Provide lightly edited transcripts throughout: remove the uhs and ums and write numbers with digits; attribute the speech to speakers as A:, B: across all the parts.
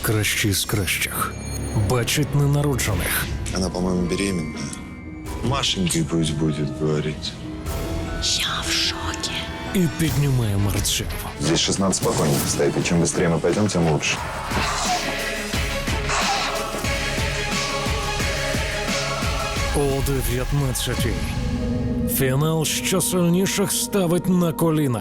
A: Найкращий з кращих бачить ненароджених
B: Она, по-моему, беременна. Машенькой пусть будет, говорить.
C: Я в шоке.
A: і піднімає мерців.
B: Здесь 16 спокойненько стоит, и чем быстрее мы пойдем, тем лучше.
A: О 19-й. Фінал, що сильніших ставить на коліна.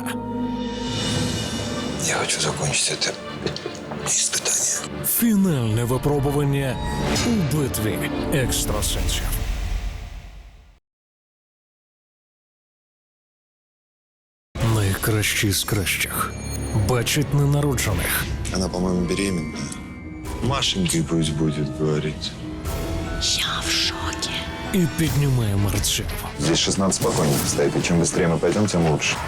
B: Я хочу закончить это испытание.
A: Фінальне випробування у битві екстрасенсів. Найкращий з кращих бачить ненароджених
B: Она, по-моему, беременна. Машенькой пусть будет, говорить.
C: Я в шоке.
A: і піднімає мерців.
B: Здесь 16 спокойненько стоит, и чем быстрее мы пойдем, тем лучше.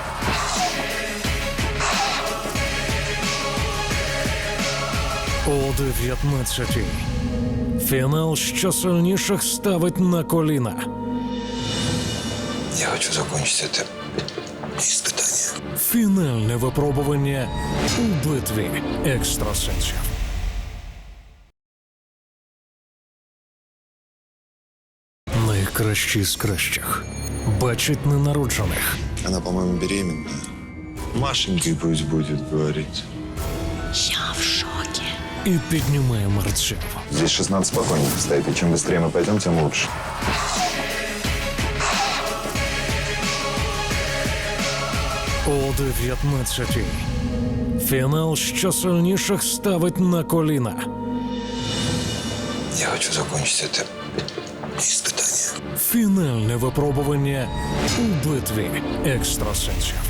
A: О 19-й. Фінал, що сильніших ставить на коліна.
B: Я хочу закончить это испытание.
A: Фінальне випробування у битві екстрасенсів. Найкращий з кращих бачить ненароджених
B: Она, по-моему, беременна. Машенькой пусть будет, говорить.
C: Я в шоке.
A: і піднімає мерців.
B: Здесь 16 спокойненько стоит, и чем быстрее мы пойдем, тем лучше.
A: О 19-й. Фінал, що сильніших ставить на коліна.
B: Я хочу закончить это испытание.
A: Фінальне випробування у битві екстрасенсів.